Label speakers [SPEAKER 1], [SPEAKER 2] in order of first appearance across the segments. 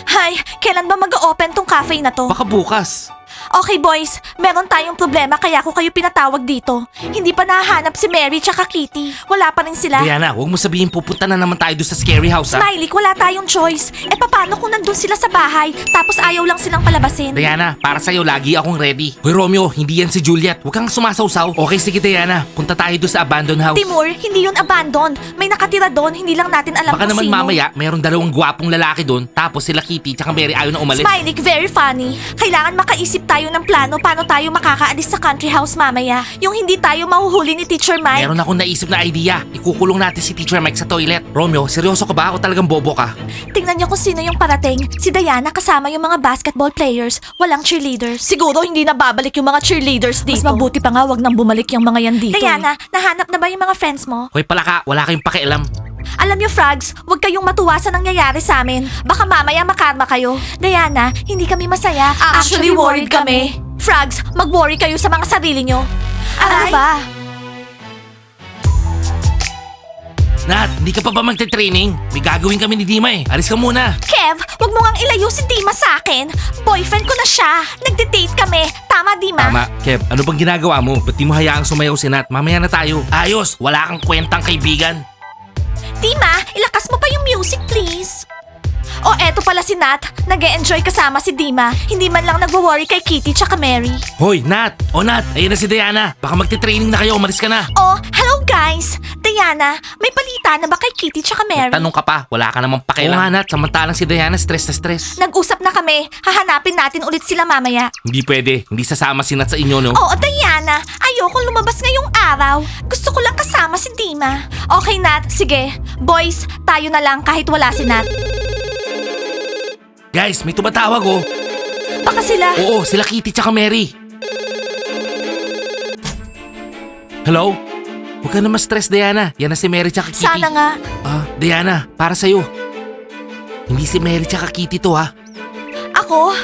[SPEAKER 1] Hi, kailan ba mag-open tong cafe na to?
[SPEAKER 2] Baka bukas.
[SPEAKER 1] Okay boys, meron tayong problema kaya ako kayo pinatawag dito. Hindi pa nahahanap si Mary tsaka Kitty. Wala pa rin sila.
[SPEAKER 2] Diana, huwag mo sabihin pupunta na naman tayo doon sa scary house, ha?
[SPEAKER 1] Smiley, wala tayong choice. Eh paano kung nandun sila sa bahay tapos ayaw lang silang palabasin?
[SPEAKER 2] Diana, para sa'yo, lagi akong ready. Hoy Romeo, hindi yan si Juliet. Huwag kang sumasawsaw. Okay, sige Diana. Punta tayo doon sa abandoned house.
[SPEAKER 1] Timur, hindi yun abandon. May nakatira doon, hindi lang natin alam
[SPEAKER 2] Baka
[SPEAKER 1] kung
[SPEAKER 2] naman
[SPEAKER 1] sino.
[SPEAKER 2] mamaya, meron dalawang gwapong lalaki doon. Tapos sila Kitty tsaka Mary ayaw na umalis.
[SPEAKER 1] Smiley, very funny. Kailangan makaisip tayo ng plano paano tayo makakaalis sa country house mamaya. Yung hindi tayo mahuhuli ni Teacher Mike.
[SPEAKER 2] Meron akong naisip na idea. Ikukulong natin si Teacher Mike sa toilet. Romeo, seryoso ka ba? Ako talagang bobo ka.
[SPEAKER 1] Tingnan niyo kung sino yung parating. Si Diana kasama yung mga basketball players. Walang cheerleaders. Siguro hindi na babalik yung mga cheerleaders dito. Mas mabuti pa nga wag nang bumalik yung mga yan dito. Diana, nahanap na ba yung mga friends mo?
[SPEAKER 2] Hoy palaka, wala kayong pakialam.
[SPEAKER 1] Alam niyo, Frogs, huwag kayong matuwa sa nangyayari sa amin. Baka mamaya makarma kayo. Diana, hindi kami masaya. Actually, worried kami. Frogs, mag-worry kayo sa mga sarili niyo. Ano ba?
[SPEAKER 2] Nat, hindi ka pa ba magte-training? May gagawin kami ni Dima eh. Alis ka muna.
[SPEAKER 1] Kev, wag mo ngang ilayo si Dima sa akin. Boyfriend ko na siya. Nagde-date kami. Tama, Dima?
[SPEAKER 2] Tama. Kev, ano bang ginagawa mo? Ba't di mo hayaang sumayaw si Nat? Mamaya na tayo. Ayos, wala kang kwentang kaibigan.
[SPEAKER 1] Dima, ilakas mo pa yung music, please. O eto pala si Nat. Nag-e-enjoy kasama si Dima. Hindi man lang nagwo-worry kay Kitty tsaka Mary.
[SPEAKER 2] Hoy, Nat! O Nat, ayun na si Diana. Baka magte-training na kayo, umalis ka na.
[SPEAKER 1] Oh, hello guys! Diana, may balita na ba kay Kitty tsaka Mary?
[SPEAKER 2] Tanong ka pa, wala ka namang pakialam. Oo nga Nat, samantalang si Diana stress na stress.
[SPEAKER 1] Nag-usap na kami. Hahanapin natin ulit sila mamaya.
[SPEAKER 2] Hindi pwede, hindi sasama si Nat sa inyo, no?
[SPEAKER 1] Oo, Diana. Ayoko lumabas ngayong araw. Gusto ko lang kasama si Dima. Okay, Nat. Sige. Boys, tayo na lang kahit wala si Nat.
[SPEAKER 2] Guys, may tumatawag oh.
[SPEAKER 1] Baka sila...
[SPEAKER 2] Oo, sila Kitty tsaka Mary. Hello? Huwag ka na ma-stress, Diana. Yan na si Mary tsaka Kitty.
[SPEAKER 1] Sana nga.
[SPEAKER 2] Diana, para sa'yo. Hindi si Mary tsaka Kitty to, ha?
[SPEAKER 1] Ako?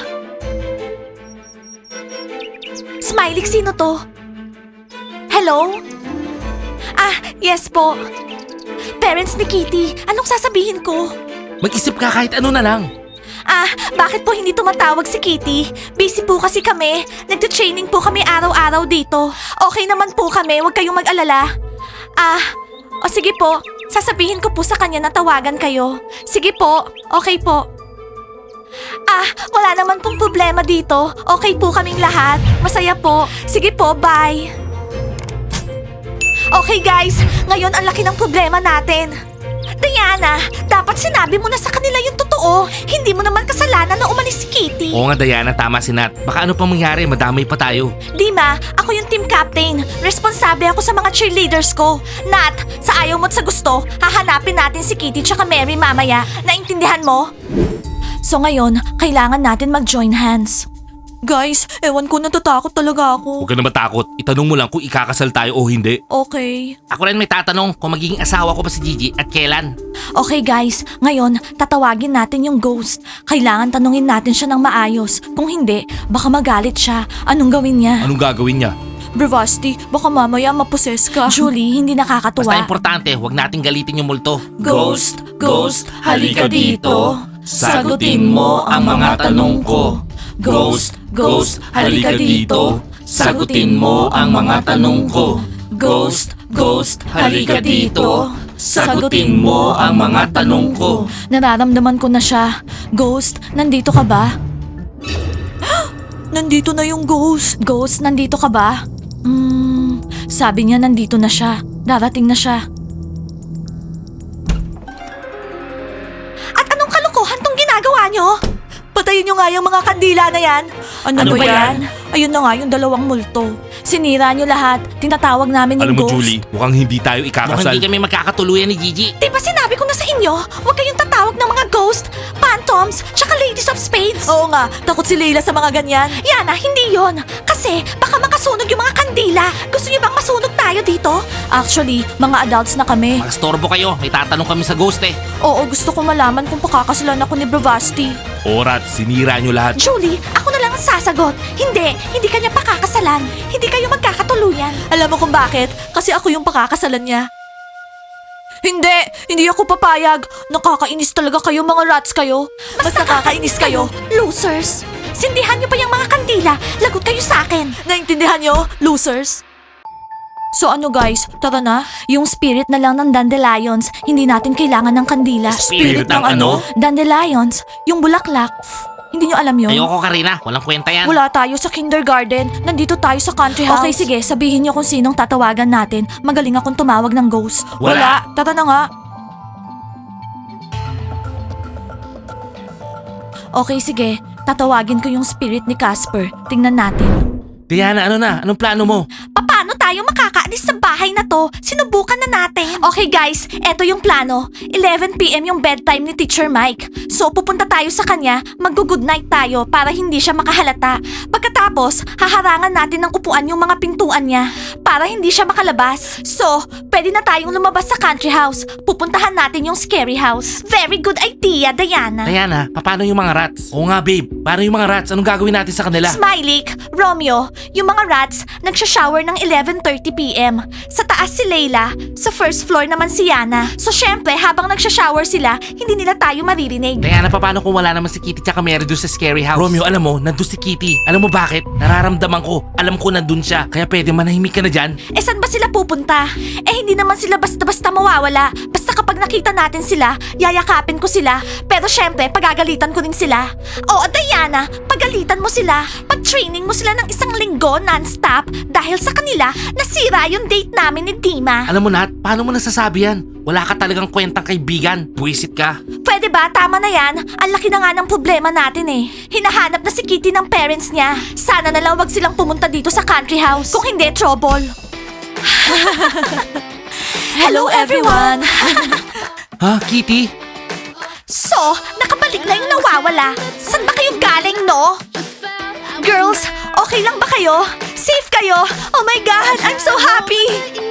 [SPEAKER 1] Smiley, sino to? Hello? Yes po. Parents ni Kitty, anong sasabihin ko?
[SPEAKER 2] Mag-isip ka kahit ano na lang.
[SPEAKER 1] Bakit po hindi tumatawag si Kitty? Busy po kasi kami. Nagte-training po kami araw-araw dito. Okay naman po kami, huwag kayong mag-alala. Sige po. Sasabihin ko po sa kanya na tawagan kayo. Sige po, okay po. Wala naman pong problema dito. Okay po kaming lahat. Masaya po. Sige po, bye. Okay guys, ngayon ang laki ng problema natin. Diana, dapat sinabi mo na sa kanila yung totoo. Hindi mo naman kasalanan na umalis si Kitty.
[SPEAKER 2] Oo nga, Diana, tama si Nat. Baka ano pang mangyari, madamay pa tayo.
[SPEAKER 1] Dima, ako yung team captain. Responsable ako sa mga cheerleaders ko. Nat, sa ayaw mo't sa gusto, hahanapin natin si Kitty tsaka Mary mamaya. Naintindihan mo? So ngayon, kailangan natin mag-join hands. Guys, ewan ko, natatakot talaga ako.
[SPEAKER 2] Huwag ka na matakot. Itanong mo lang kung ikakasal tayo o hindi.
[SPEAKER 1] Okay.
[SPEAKER 2] Ako rin may tatanong kung magiging asawa ko ba si Gigi at kailan.
[SPEAKER 1] Okay guys, ngayon tatawagin natin yung ghost. Kailangan tanungin natin siya ng maayos. Kung hindi, baka magalit siya. Anong gawin niya?
[SPEAKER 2] Anong gagawin niya?
[SPEAKER 1] Bravasti, baka mamaya maposes ka. Julie, hindi nakakatuwa.
[SPEAKER 2] Basta importante, huwag nating galitin yung multo.
[SPEAKER 1] Ghost, ghost, halika dito. Sagutin mo ang mga tanong ko. Ghost, ghost, halika dito. Sagutin mo ang mga tanong ko. Ghost, ghost, halika dito. Sagutin mo ang mga tanong ko. Nararamdaman ko na siya. Ghost, nandito ka ba? Nandito na yung ghost. Ghost, nandito ka ba? Sabi niya nandito na siya. Darating na siya. At anong kalokohan tong ginagawa niyo? Patayin niyo nga yung mga kandila na yan. Ano ba yan? Ayun na nga yung dalawang multo. Sinira niyo lahat. Tinatawag namin yung ghost.
[SPEAKER 2] mukhang hindi tayo ikakasal. Mukhang hindi kami magkakatuluyan ni Gigi.
[SPEAKER 1] Diba sinabi ko na sa inyo, huwag kayong tatawag ng mga ghost, phantoms, tsaka ladies of spades. Oo nga, takot si Leila sa mga ganyan. Yana, hindi yon. Kasi baka makasunog yung mga kandila. Gusto niyo bang masunog tayo dito? Actually, mga adults na kami.
[SPEAKER 2] Magstorbo kayo, may tatanong kami sa ghost eh.
[SPEAKER 1] Oo, gusto ko malaman kung pakakasalan ako ni Bravasti.
[SPEAKER 2] Orat, sinira nyo lahat.
[SPEAKER 1] Julie, ako na lang ang sasagot. Hindi kanya pakakasalan. Hindi kayo magkakatuluyan. Alam mo kung bakit? Kasi ako yung pakakasalan niya. Hindi ako papayag. Nakakainis talaga kayo mga rats kayo. Mas nakakainis kayo, losers. Sindihan niyo pa yung mga kandila. Lagot kayo sa akin. Naintindihan niyo, losers? So ano guys, tara na. Yung spirit na lang ng dandelions, hindi natin kailangan ng kandila.
[SPEAKER 2] Spirit ng ano?
[SPEAKER 1] Dandelions, yung bulaklak. Hindi nyo alam yun?
[SPEAKER 2] Ayoko, Karina. Walang kwenta yan.
[SPEAKER 1] Wala tayo sa kindergarten. Nandito tayo sa country house. Okay, sige. Sabihin nyo kung sinong tatawagan natin. Magaling akong tumawag ng ghost.
[SPEAKER 2] Wala.
[SPEAKER 1] Tara na nga. Okay, sige. Tatawagin ko yung spirit ni Casper. Tingnan natin.
[SPEAKER 2] Diana, ano na? Anong plano mo?
[SPEAKER 1] Paano tayo makakaalis sa bahay na to? Sinubukan na natin. Okay guys, eto yung plano. 11 PM yung bedtime ni Teacher Mike. So pupunta tayo sa kanya, mag-good night tayo para hindi siya makahalata. Pagkatapos, haharangan natin ng upuan yung mga pintuan niya para hindi siya makalabas. So, pwede na tayong lumabas sa country house. Pupuntahan natin yung scary house. Very good idea, Diana.
[SPEAKER 2] Diana, paano yung mga rats? Oo nga, babe. Paano yung mga rats? Anong gagawin natin sa kanila?
[SPEAKER 1] Smiley, Romeo, yung mga rats nagsha-shower ng 11:30 PM. Sa taas si Layla, sa first floor naman si Yana. So syempre, habang nagsha-shower sila, hindi nila tayo maririnig.
[SPEAKER 2] Diana, paano kung wala naman si Kitty tsaka Mary doon sa scary house? Romeo, alam mo, nandun si Kitty. Alam mo bakit? Nararamdaman ko. Alam ko nandun siya. Kaya pwede manahimik ka na dyan.
[SPEAKER 1] Eh saan ba sila pupunta? Eh hindi naman sila basta-basta mawawala. Basta kapag nakita natin sila, yayakapin ko sila. Pero syempre, pagagalitan ko rin sila. Oo, Diana, pagalitan mo sila. Pag-training mo sila ng isang linggo non-stop dahil sa kanila, nasira yung date namin ni Dima.
[SPEAKER 2] Alam mo, Nat, paano mo nasasabi yan? Wala ka talagang kwentang kaibigan. Buwisit ka.
[SPEAKER 1] Pwede ba? Tama na yan. Ang laki na nga ng problema natin eh. Hinahanap na si Kitty ng parents niya. Sana na lang wag silang pumunta dito sa country house. Kung hindi, trouble. Hello everyone!
[SPEAKER 2] Ha, Kitty?
[SPEAKER 1] So, nakabalik na yung nawawala. Saan ba kayo galing, no? Girls, okay lang ba kayo? Safe kayo? Oh my God, I'm so happy!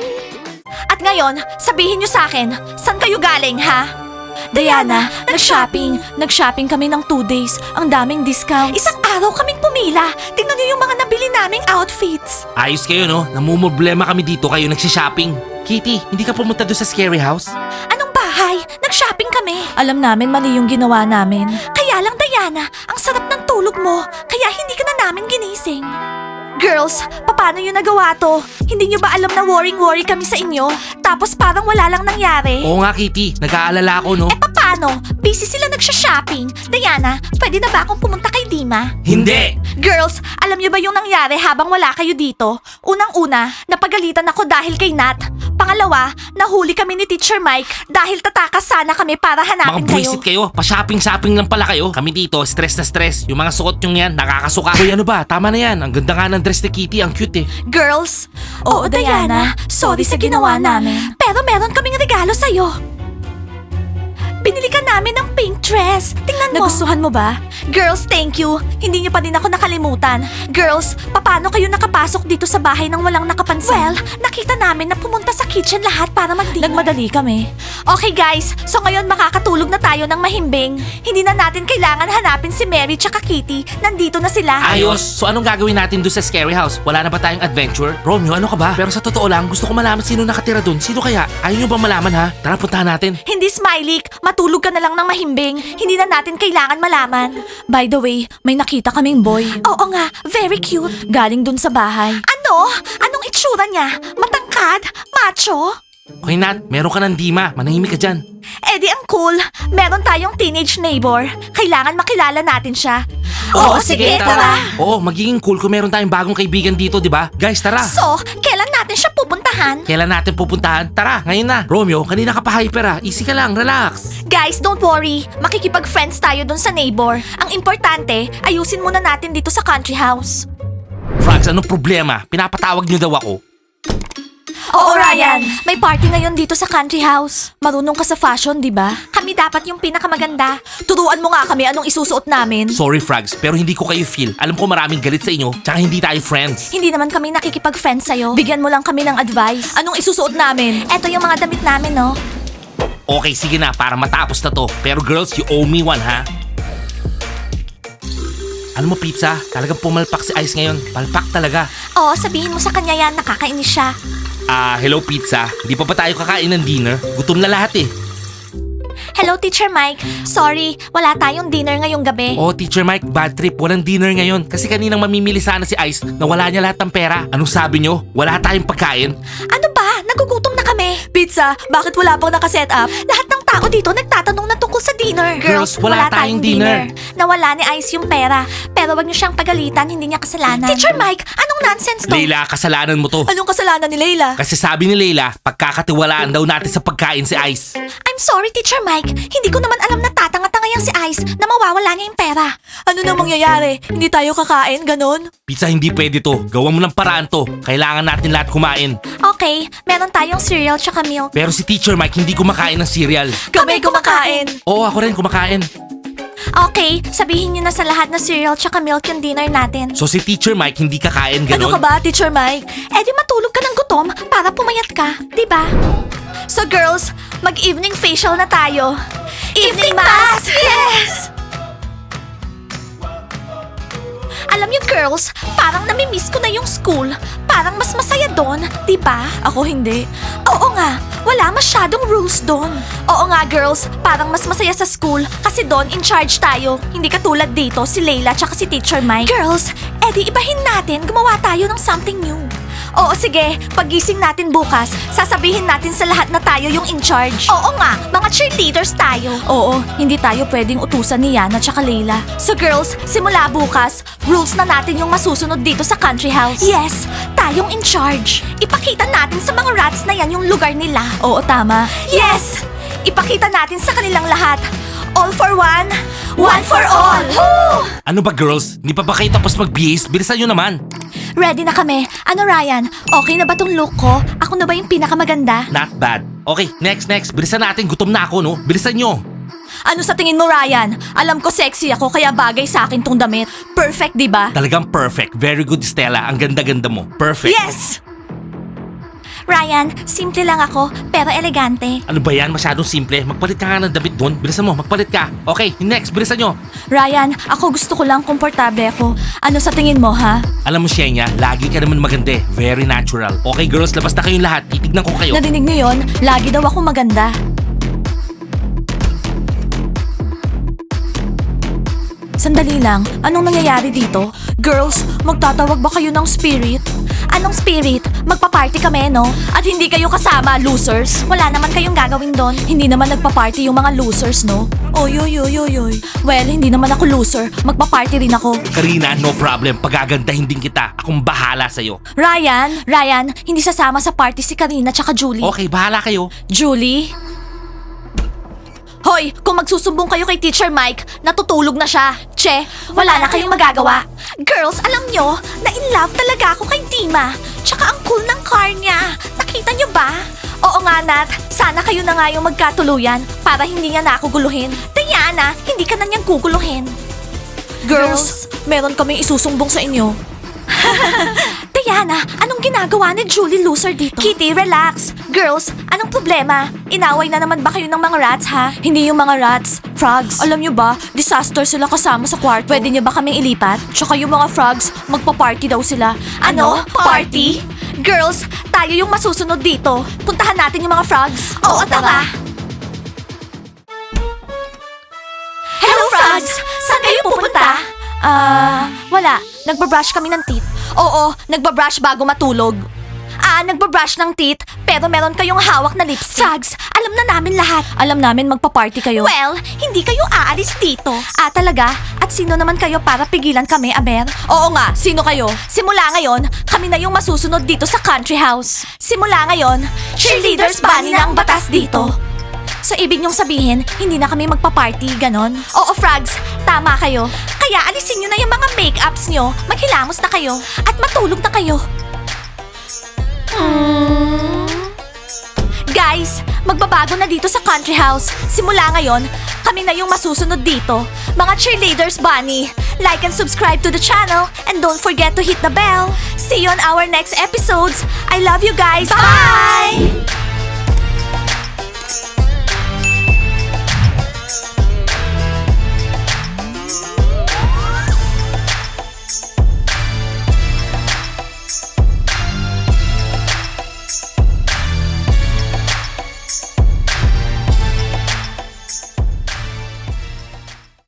[SPEAKER 1] At ngayon, sabihin niyo sa akin, saan kayo galing, ha? Diana, nag-shopping. Nag-shopping kami ng 2 days. Ang daming discounts. Isang araw kaming pumila. Tingnan niyo yung mga nabili naming outfits.
[SPEAKER 2] Ayos kayo, no? Namumroblema kami dito, kayo nagsishopping. Kitty, hindi ka pumunta doon sa scary house?
[SPEAKER 1] Anong bahay? Nag-shopping kami. Alam namin mali yung ginawa namin. Kaya lang, Diana, ang sarap ng tulog mo. Kaya hindi ka na namin ginising. Girls, paano yun nagawa to? Hindi nyo ba alam na worry kami sa inyo? Tapos parang wala lang nangyari?
[SPEAKER 2] Oo nga, Kitty. Nag-aalala ako, no?
[SPEAKER 1] Eh paano? Busy sila nagsha-shopping. Diana, pwede na ba akong pumunta kay Dima?
[SPEAKER 2] Hindi!
[SPEAKER 1] Girls, alam niyo ba yung nangyari habang wala kayo dito? Unang-una, napagalitan ako dahil kay Nat. Pangalawa, nahuli kami ni Teacher Mike dahil tatakas sana kami para
[SPEAKER 2] Mga
[SPEAKER 1] hanapin kayo.
[SPEAKER 2] buwisit kayo. Pa-shopping-shopping lang pala kayo. Kami dito, stress na stress. Yung mga suot yung yan, nakakasuka. Hoy, ano ba? Tama na yan. Ang ganda nga ng dress ni Kitty. Ang cute eh.
[SPEAKER 1] Girls, oo Diana, sorry sa ginawa namin. Pero meron kaming regalo sa'yo. Binili ka namin ng pink dress. Tingnan mo. Nagustuhan mo ba? Girls, thank you. Hindi niyo pa din ako nakalimutan. Girls, paano kayo nakapasok dito sa bahay nang walang nakapansin? Well, nakita namin na pumunta sa kitchen lahat para mag-dinner. Nagmadali kami. Okay guys, so ngayon makakatulog na tayo ng mahimbing. Hindi na natin kailangan hanapin si Mary tsaka Kitty. Nandito na sila.
[SPEAKER 2] Ayos! So anong gagawin natin doon sa scary house? Wala na ba tayong adventure? Romeo, ano ka ba? Pero sa totoo lang, gusto ko malaman sino nakatira doon. Sino kaya? Ayaw nyo ba malaman ha? Tara, puntahan natin.
[SPEAKER 1] Hindi, Smiley. Matulog ka na lang ng mahimbing. Hindi na natin kailangan malaman. By the way, may nakita kaming boy. Oo nga, very cute. Galing dun sa bahay. Ano? Anong itsura niya? Matangkad? Macho?
[SPEAKER 2] Okay, Nat. Meron ka ng Dima. Manahimik ka dyan.
[SPEAKER 1] Eh di ang cool. Meron tayong teenage neighbor. Kailangan makilala natin siya. Oo, sige, tara.
[SPEAKER 2] Oo, magiging cool kung meron tayong bagong kaibigan dito, di ba? Guys, tara.
[SPEAKER 1] So, kailan natin siya pupuntahan?
[SPEAKER 2] Kailan natin pupuntahan? Tara, ngayon na. Romeo, kanina ka pa hyper ah. Easy ka lang, relax.
[SPEAKER 1] Guys, don't worry. Makikipag-friends tayo dun sa neighbor. Ang importante, ayusin muna natin dito sa country house.
[SPEAKER 2] Frogs, anong problema? Pinapatawag niyo daw ako.
[SPEAKER 1] Oo, Ryan. May party ngayon dito sa country house. Marunong ka sa fashion, di ba? Kami dapat yung pinakamaganda. Turuan mo nga kami anong isusuot namin.
[SPEAKER 2] Sorry, Frogs, pero hindi ko kayo feel. Alam ko maraming galit sa inyo, tsaka hindi tayo friends.
[SPEAKER 1] Hindi naman kami nakikipag-friends sa'yo. Bigyan mo lang kami ng advice. Anong isusuot namin? Eto yung mga damit namin, no?
[SPEAKER 2] Okay, sige na, para matapos na to. Pero girls, you owe me one, ha? Alam mo, Pizza, talagang pumalpak si Ice ngayon. Palpak talaga.
[SPEAKER 1] Oo, sabihin mo sa kanya yan, nakakainis siya.
[SPEAKER 2] Hello pizza. Hindi pa ba tayo kakain ng dinner? Gutom na lahat eh.
[SPEAKER 1] Hello, Teacher Mike. Sorry, wala tayong dinner ngayong gabi.
[SPEAKER 2] Oh, Teacher Mike, bad trip. Walang dinner ngayon. Kasi kaninang mamimili sana si Ice na wala niya lahat ng pera. Anong sabi nyo? Wala tayong pagkain?
[SPEAKER 1] Ano ba? Nagugutom na kami. Pizza, bakit wala pang nakaset up? Lahat ng tao dito nagtatanong na tungkol sa dinner.
[SPEAKER 2] Girls, wala tayong dinner.
[SPEAKER 1] Nawala ni Ice yung pera. Pero wag niyo siyang pagalitan, hindi niya kasalanan. Teacher Mike, anong nonsense to?
[SPEAKER 2] Leila, kasalanan mo to.
[SPEAKER 1] Anong kasalanan ni Leila?
[SPEAKER 2] Kasi sabi ni Leila, pagkakatiwalaan daw natin sa pagkain si Ice.
[SPEAKER 1] I'm sorry, Teacher Mike. Hindi ko naman alam na tatanga-tanga yang si Ice na mawawala niya yung pera. Ano na mangyayari? Hindi tayo kakain, ganon?
[SPEAKER 2] Pizza, hindi pwede to. Gawan mo ng paraan to. Kailangan natin lahat kumain.
[SPEAKER 1] Okay, meron tayong cereal tsaka milk.
[SPEAKER 2] Pero si Teacher Mike hindi kumakain ng cereal.
[SPEAKER 1] Kami kumakain.
[SPEAKER 2] Oo, ako rin kumakain.
[SPEAKER 1] Okay, sabihin niyo na sa lahat na cereal tsaka milk yung dinner natin.
[SPEAKER 2] So si Teacher Mike hindi kakain, ganon?
[SPEAKER 1] Ano ka ba, Teacher Mike? Eh di matulog ka ng gutom para pumayat ka, di ba? So girls, mag-evening facial na tayo. Evening mask! Yes! Alam niyo girls, parang namimiss ko na yung school. Parang mas masaya doon, di ba? Ako hindi. Oo nga, wala masyadong rules doon. Oo nga girls, parang mas masaya sa school kasi doon in charge tayo. Hindi katulad dito si Layla tsaka si Teacher Mike. Girls, edi ibahin natin, gumawa tayo ng something new. Oo sige, pagising natin bukas, sasabihin natin sa lahat na tayo yung in charge. Oo nga, mga cheerleaders tayo. Oo, hindi tayo pwedeng utusan ni Yana tsaka Layla. So girls, simula bukas, rules na natin yung masusunod dito sa country house. Yes, tayong in charge. Ipakita natin sa mga rats na yan yung lugar nila. Oo, tama. Yes! Ipakita natin sa kanilang lahat. All for one, one for all. Woo!
[SPEAKER 2] Ano ba girls? Hindi pa ba kayo tapos mag-BAs? Bilisan nyo naman.
[SPEAKER 1] Ready na kami. Ano Ryan, okay na ba tong look ko? Ako na ba yung pinakamaganda?
[SPEAKER 2] Not bad. Okay, next. Bilisan natin. Gutom na ako, no? Bilisan nyo.
[SPEAKER 1] Ano sa tingin mo Ryan? Alam ko sexy ako kaya bagay sa akin tong damit. Perfect, di ba?
[SPEAKER 2] Talagang perfect. Very good, Stella. Ang ganda-ganda mo. Perfect.
[SPEAKER 1] Yes! Ryan, simple lang ako, pero elegante.
[SPEAKER 2] Ano ba yan? Masyadong simple. Magpalit ka nga ng damit doon. Bilisan mo, magpalit ka. Okay, next. Bilisan nyo.
[SPEAKER 1] Ryan, ako gusto ko lang komportable ako. Ano sa tingin mo, ha?
[SPEAKER 2] Alam mo, Shenya, lagi ka naman maganda eh. Very natural. Okay, girls, labas na kayong lahat. Titignan ko kayo.
[SPEAKER 1] Narinig niyo yun? Lagi daw ako maganda. Sandali lang, anong nangyayari dito? Girls, magtatawag ba kayo ng spirit? Anong spirit? Magpa-party kami, no? At hindi kayo kasama, losers. Wala naman kayong gagawin doon. Hindi naman nagpa-party yung mga losers, no? Oy. Well, hindi naman ako loser. Magpa-party rin ako.
[SPEAKER 2] Karina, no problem. Pagagandahin din kita. Akong bahala sa'yo.
[SPEAKER 1] Ryan, hindi sasama sa party si Karina tsaka Julie.
[SPEAKER 2] Okay, bahala kayo.
[SPEAKER 1] Julie? Hoy, kung magsusumbong kayo kay Teacher Mike, natutulog na siya. Che, wala na kayong magagawa. Girls, alam nyo, na in love talaga ako kay Dima. Tsaka ang cool ng car niya. Nakita nyo ba? Oo nga, Nat. Sana kayo na nga yung magkatuluyan para hindi niya na ako guluhin. Diana, hindi ka na niyang guguluhin. Girls, meron kaming isusumbong sa inyo. Diana, anong ginagawa ni Julie Loser dito? Kitty, relax. Girls, anong problema? Inaway na naman ba kayo ng mga rats, ha? Hindi yung mga rats, frogs. Alam nyo ba, disaster sila kasama sa kwarto. Pwede nyo ba kaming ilipat? Tsaka yung mga frogs, magpa-party daw sila. Ano? Party? Girls, tayo yung masusunod dito. Puntahan natin yung mga frogs. Oo, tara. Hello, frogs! Saan kayo pupunta? Wala. Nagbabrush kami ng teeth. Oo, nagbabrush bago matulog. Nagbabrush ng teeth, pero meron kayong hawak na lipstick. Frogs, alam na namin lahat. Alam namin magpa-party kayo. Well, hindi kayo aalis dito. Talaga? At sino naman kayo para pigilan kami, Aber? Oo nga, sino kayo? Simula ngayon, kami na yung masusunod dito sa country house. Simula ngayon, cheerleaders bunny na ang batas dito. So ibig niyong sabihin, hindi na kami magpa-party, ganon? Oo, Frogs, tama kayo. Kaya alisin niyo na yung mga make-ups niyo, maghilamos na kayo, at matulog na kayo. Guys, magbabago na dito sa country house. Simula ngayon, kami na yung masusunod dito. Mga cheerleaders bunny, like and subscribe to the channel and don't forget to hit the bell. See you on our next episodes. I love you guys. Bye!